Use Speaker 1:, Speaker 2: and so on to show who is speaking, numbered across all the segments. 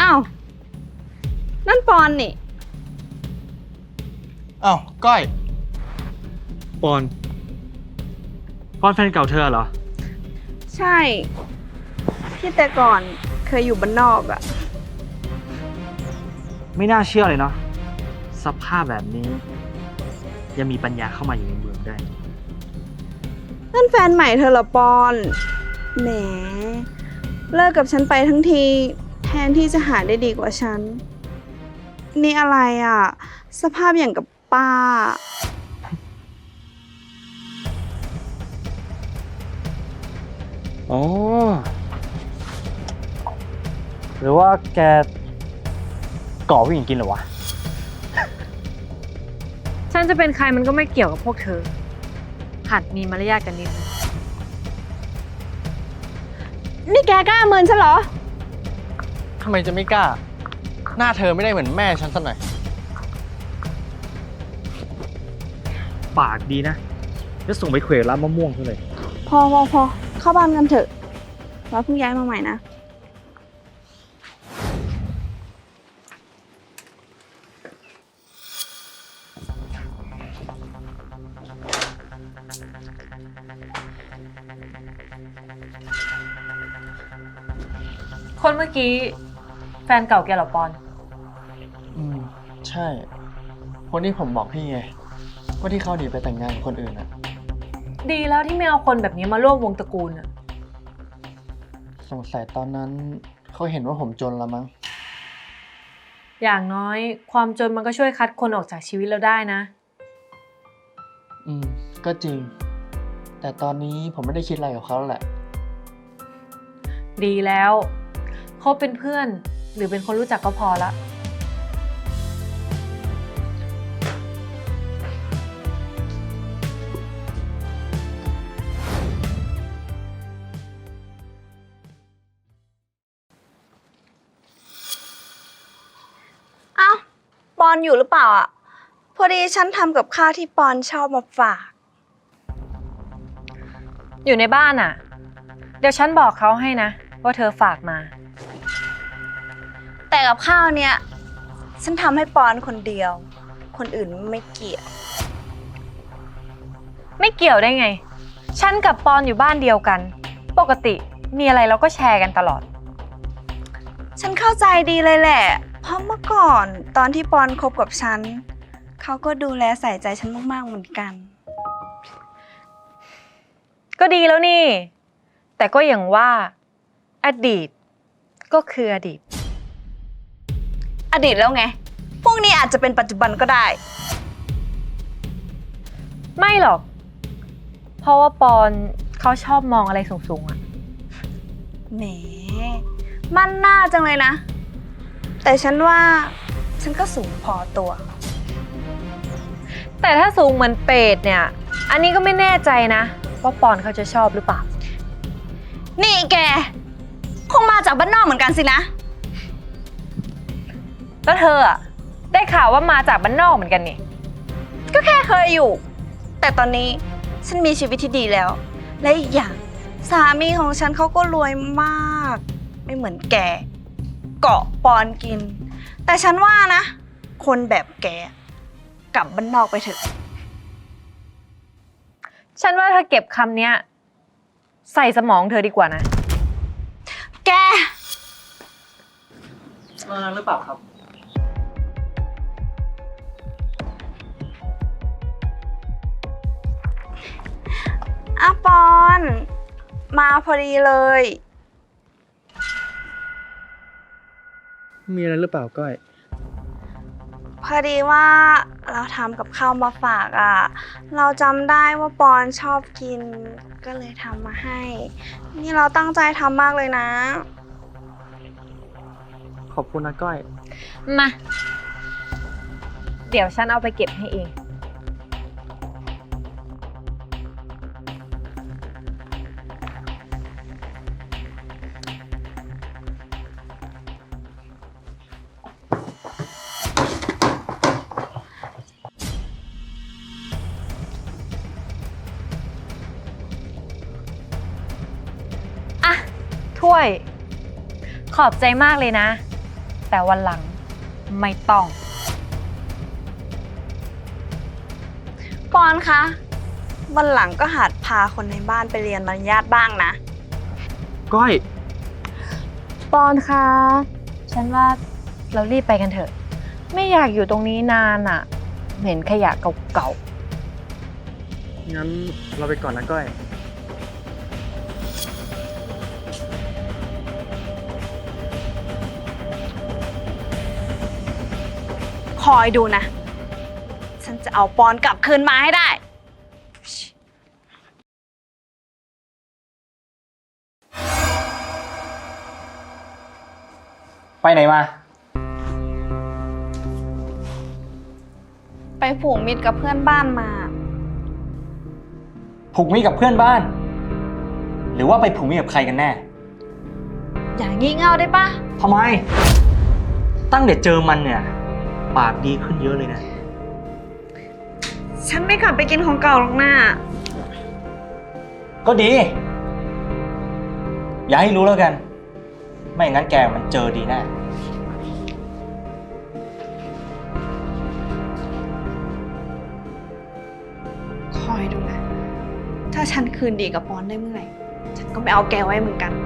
Speaker 1: อ้าวนั่นปอนนี่
Speaker 2: อ้าวก้อย
Speaker 3: ปอนแฟนเก่าเธอเหรอ
Speaker 1: ใช่ที่แต่ก่อนเคยอยู่บ้านนอกอะ
Speaker 3: ไม่น่าเชื่อเลยเนาะสภาพแบบนี้ ยังมีปัญญาเข้ามาอยู่ในเมืองได้
Speaker 1: นั่นแฟนใหม่เธอเหรอปอนแหมเลิกกับฉันไปทั้งทีแทนที่จะหาได้ดีกว่าฉันนี่อะไรอะสภาพอย่างกับป้า
Speaker 3: อ๋อ หรือว่าแกก่อผู้หญิงกินเหรอวะ
Speaker 4: ฉันจะเป็นใครมันก็ไม่เกี่ยวกับพวกเธอ หัดมีมารยาทกันนิดนึง
Speaker 1: นี่แกกล้าเมินฉันเหรอ
Speaker 2: ทำไมจะไม่กล้า หน้าเธอไม่ได้เหมือนแม่ฉันสักหน่อย
Speaker 3: ปากดีนะจะส่งไปเขวร้านมะม่วงเท่าเลย
Speaker 1: พอเข้าบ้านกันเถอะเราเพิ่งย้ายมาใหม่นะ
Speaker 4: คนเมื่อกี้แฟนเก่าแกเหรอปอน
Speaker 2: ใช่ คนที่ผมบอกพี่ไงว่าที่เขาหนีไปแต่งงานกับคนอื่นอะ
Speaker 4: ดีแล้วที่ไม่เอาคนแบบนี้มาร่วมวงตระกูลอะ
Speaker 2: สงสัยตอนนั้นเขาเห็นว่าผมจนละมั้ง
Speaker 4: อย่างน้อยความจนมันก็ช่วยคัดคนออกจากชีวิตเราได้นะ
Speaker 2: ก็จริง แต่ตอนนี้ผมไม่ได้คิดอะไรกับเขาแล้วแหละ
Speaker 4: ดีแล้วเขาเป็นเพื่อนหรือเป็นคนรู้จักก็พอละ
Speaker 1: เอ้าปอนอยู่หรือเปล่าอ่ะพอดีฉันทำกับข้าวที่ปอนชอบมาฝาก
Speaker 4: อยู่ในบ้านอะเดี๋ยวฉันบอกเขาให้นะว่าเธอฝากมา
Speaker 1: แต่กับข้าวเนี่ยฉันทำให้ปอนคนเดียว คนอื่นไม่เกี่ยว
Speaker 4: ไม่เกี่ยวได้ไง ฉันกับปอนอยู่บ้านเดียวกัน ปกติมีอะไรเราก็แชร์กันตลอด
Speaker 1: ฉันเข้าใจดีเลยแหละ เพราะเมื่อก่อนตอนที่ปอนคบกับฉันเขาก็ดูแลใส่ใจฉันมากๆเหมือนกัน
Speaker 4: ก็ดีแล้วนี่ แต่ก็อย่างว่าอดีตก็คืออดีต
Speaker 1: อดีตแล้วไงพรุ่งนี้อาจจะเป็นปัจจุบันก็ได้
Speaker 4: ไม่หรอก เพราะว่าปอนเขาชอบมองอะไรสูงๆอะ
Speaker 1: แหมมันน่าจังเลยนะ แต่ฉันว่าฉันก็สูงพอตัว
Speaker 4: แต่ถ้าสูงเหมือนเป็ดเนี่ย อันนี้ก็ไม่แน่ใจนะว่าปอนเขาจะชอบหรือเปล่า
Speaker 1: นี่แกคงมาจากบ้านนอกเหมือนกันสินะ
Speaker 4: แล้วเธออะได้ข่าวว่ามาจากบ้านนอกเหมือนกันนี่
Speaker 1: ก็แค่เคยอยู่ แต่ตอนนี้ฉันมีชีวิตที่ดีแล้ว และอีกอย่างสามีของฉันเขาก็รวยมาก ไม่เหมือนแกเกาะปอนกิน แต่ฉันว่านะ คนแบบแกกลับบ้านนอกไปเถอะ
Speaker 4: ฉันว่าเธอเก็บคำเนี้ยใส่สมองเธอดีกว่านะ
Speaker 1: แก
Speaker 3: มาหรือเปล่าครับ
Speaker 1: อะปอน มาพอดีเลย
Speaker 3: มีอะไรหรือเปล่าก้อย
Speaker 1: พอดีว่าเราทำกับข้าวมาฝากอ่ะ เราจำได้ว่าปอนชอบกิน ก็เลยทำมาให้ นี่เราตั้งใจทำมากเลยนะ
Speaker 3: ขอบคุณนะก้อย
Speaker 4: มา เดี๋ยวฉันเอาไปเก็บให้เอง อ่ะ ถ้วย ขอบใจมากเลยนะแต่วันหลังไม่ต้อง
Speaker 1: ปอนคะวันหลังก็หัดพาคนในบ้านไปเรียนมารยาทบ้างนะ
Speaker 3: ก้อย
Speaker 4: ปอนคะฉันว่าเรารีบไปกันเถอะ ไม่อยากอยู่ตรงนี้นานอะเห็นขยะเก่า
Speaker 3: งั้นเราไปก่อนนะก้อย
Speaker 1: คอยดูนะ ฉันจะเอาปอนกลับคืนมาให้ได้
Speaker 2: ไปไหนมา
Speaker 1: ไปผูกมิตรกับเพื่อนบ้านมา
Speaker 2: ผูกมิตรกับเพื่อนบ้าน หรือว่าไปผูกมิตรกับใครกันแน่
Speaker 1: อย่างงี่เง่าได้ปะ
Speaker 3: ทำไม ตั้งแต่เจอมันเนี่ย ปากดีขึ้นเยอะเลยนะ
Speaker 1: ฉันไม่กลับไปกินของเก่าหรอกนะ
Speaker 2: ก็ดี อย่าให้รู้แล้วกัน ไม่งั้นแกมันเจอดีแน่
Speaker 1: คอยดูนะ ถ้าฉันคืนดีกับปอนได้เมื่อไหร่ ฉันก็ไม่เอาแกไว้เหมือนกัน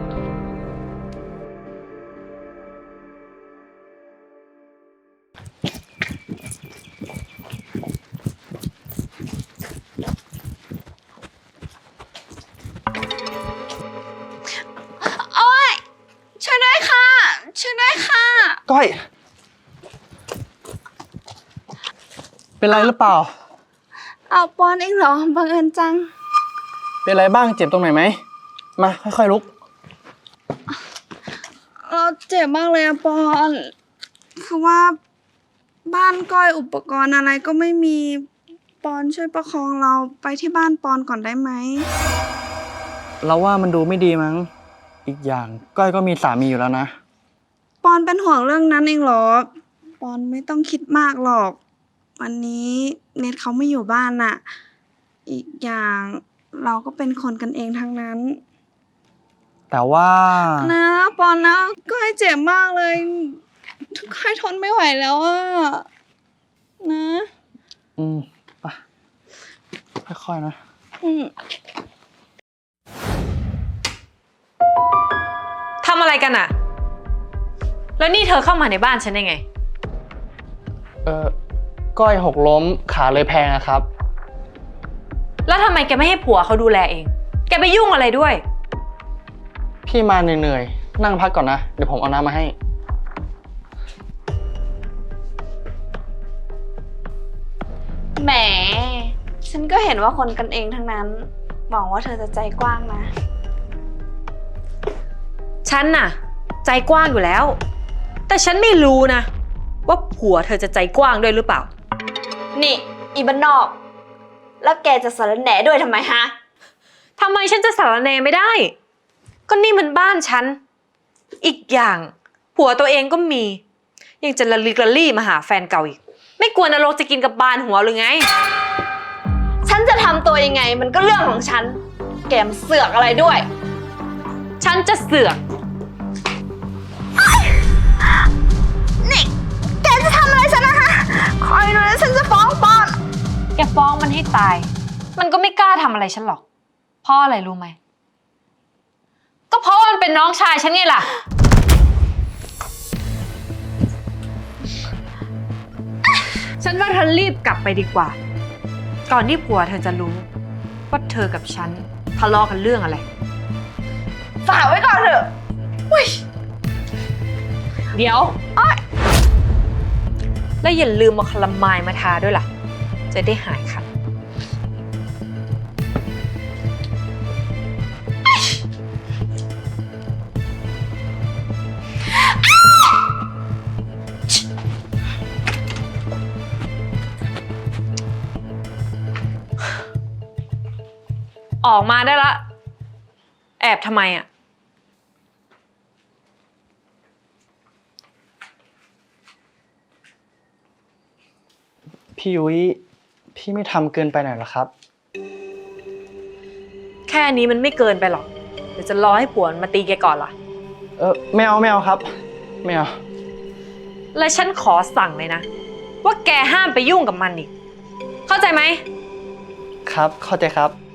Speaker 1: โอ๊ย ช่วยด้วยค่ะ ช่วยด้วยค่ะ
Speaker 2: ก้อย เป็นไรหรือเปล่า
Speaker 1: เอาปอนเองเหรอ บังเอิญจัง
Speaker 2: เป็นไรบ้าง เจ็บตรงไหนไหม มาค่อยๆลุก
Speaker 1: เราเจ็บมากเลยอะปอน คือว่าบ้านก้อยอุปกรณ์อะไรก็ไม่มี ปอนช่วยประคองเราไปที่บ้านปอนก่อนได้ไหม
Speaker 2: เราว่ามันดูไม่ดีมั้ง อีกอย่างก้อยก็มีสามีอยู่แล้วนะ
Speaker 1: ปอนเป็นห่วงเรื่องนั้นเองเหรอ ปอนไม่ต้องคิดมากหรอก วันนี้เน็ตเขาไม่อยู่บ้านน่ะ อีกอย่างเราก็เป็นคนกันเองทั้งนั้น
Speaker 2: แต่ว่า
Speaker 1: นะปอนนะก้อยเจ็บมากเลยก้อยทนไม่ไหวแล้วอะนะ
Speaker 2: ไปค่อยๆนะ
Speaker 1: อืม
Speaker 4: ๆทำอะไรกันอะแล้วนี่เธอเข้ามาในบ้านฉันได้ไง
Speaker 2: ก้อยหกล้มขาเลยแพงอะครับ
Speaker 4: แล้วทำไมแกไม่ให้ผัวเขาดูแลเอง แกไปยุ่งอะไรด้วย
Speaker 2: พี่มาเหนื่อยๆ นั่งพักก่อนนะ เดี๋ยวผมเอาน้ำมาให้
Speaker 1: แหม ฉันก็เห็นว่าคนกันเองทั้งนั้น หวังว่าเธอจะใจกว้างนะ
Speaker 4: ฉันน่ะ ใจกว้างอยู่แล้ว แต่ฉันไม่รู้นะ ว่าผัวเธอจะใจกว้างด้วยหรือเปล่า
Speaker 1: นี่ อีบ้านนอก แล้วแกจะสารแหน่ด้วยทำไมฮะ
Speaker 4: ทำไมฉันจะสารแหนไม่ได้ ก็นี่มันบ้านฉัน อีกอย่างผัวตัวเองก็มี ยังจะละลิกละลี่มาหาแฟนเก่าอีก ไม่กลัวนรกจะกินกับบานหัวหรือไง
Speaker 1: ฉันจะทำตัวยังไงมันก็เรื่องของฉัน แกมเสือกอะไรด้วย
Speaker 4: ฉันจะเสือก
Speaker 1: นี่ แกจะทำอะไรฉันนะคะ คอยดูนะฉันจะฟ้องปอน
Speaker 4: แกฟ้องมันให้ตาย มันก็ไม่กล้าทำอะไรฉันหรอก เพราะอะไรรู้ไหม ก็เพราะว่ามันเป็นน้องชายฉันไงล่ะ ฉันว่าเธอรีบกลับไปดีกว่า ก่อนที่ผัวเธอจะรู้ว่าเธอกับฉันทะเลาะกันเรื่องอะไร
Speaker 1: ฝากไว้ก่อนเถอะ
Speaker 4: เดี๋ยวแล้วอย่าลืมเอาคลามายมาทาด้วยล่ะ จะได้หายคัน ออกมาได้ละ แอบทำไมอ่ะ
Speaker 2: พี่ยุ้ย พี่ไม่ทำเกินไปหน่อยเหรอครับ
Speaker 4: แค่นี้มันไม่เกินไปหรอก เดี๋ยวจะรอให้ผัวมันมาตีแกก่อนล่ะ
Speaker 2: ไม่เอาครับ ไม่เอา
Speaker 4: และฉันขอสั่งเลยนะ ว่าแกห้ามไปยุ่งกับมันอีก เข้าใจไหม
Speaker 2: ครับ เข้าใจครับ